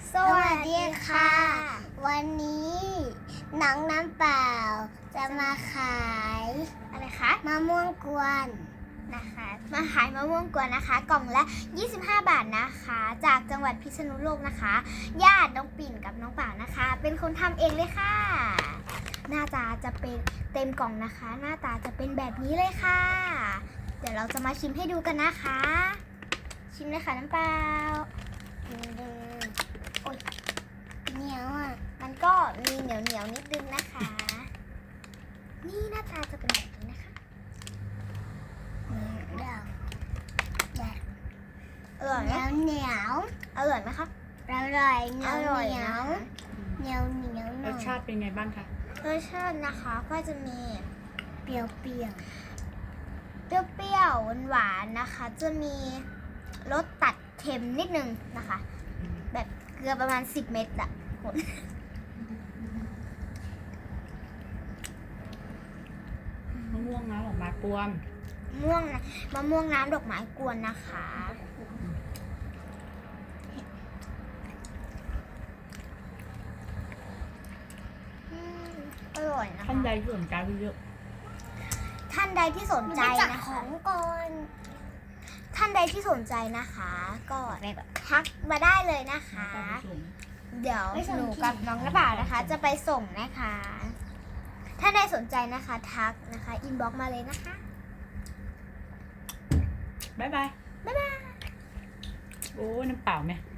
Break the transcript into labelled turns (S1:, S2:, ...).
S1: สวัสดีค่ะ วันนี้น้องน้ำเปล่าจะมาขายอะไรคะมะม่วงกวนนะคะมาขายมะม่วงกวนนะคะ กล่องละ25 บาทนะคะ จากจังหวัดพิษณุโลกนะคะญาติน้องปิ่นกับน้องเปล่านะคะ เป็นคนทำเองเลยค่ะ หน้าตาจะเป็นเต็มกล่องนะคะ หน้าตาจะเป็นแบบนี้เลยค่ะ เดี๋ยวเราจะมาชิมให้ดูกันนะคะ ชิมเลยค่ะน้ำเปล่าโอ้ยเหนียวอ่ะ มันก็มีเหนียวนิดนึงนะคะ นี่หน้าตาจะเป็นแบบนี้นะคะเดี๋ยวอร่อยไหมเหนียวอร่อยไหมครับอร่อยเหนียวเหนียว
S2: รสชาติเป็นไงบ้างคะ
S1: รสชาตินะคะก็จะมีเปรี้ยวเปรี้ยวหวานๆนะคะ จะมีรสตัดเค็มนิดนึงนะคะ แบบเกลือประมาณ10 เม็ดอะคุณ
S2: มะม่วงน้ำออกมากวน
S1: มะม่วงน้ำดอกไม้กวนนะคะอร่อยนะคะ
S2: ท่านใดที่สนใจเยอะ
S1: ท่านใดที่สนใจนะคะท่านใดที่สนใจนะคะ ก็ทักมาได้เลยนะคะ เดี๋ยวหนูกับน้องกระบ่าวนะคะ จะไปส่งนะคะ ถ้าใดสนใจนะคะ ทักนะคะอินบ็อกมาเลยนะคะ
S2: บ๊ายบาย
S1: บ๊ายบาย
S2: โอ้น้ำเปล่าไหม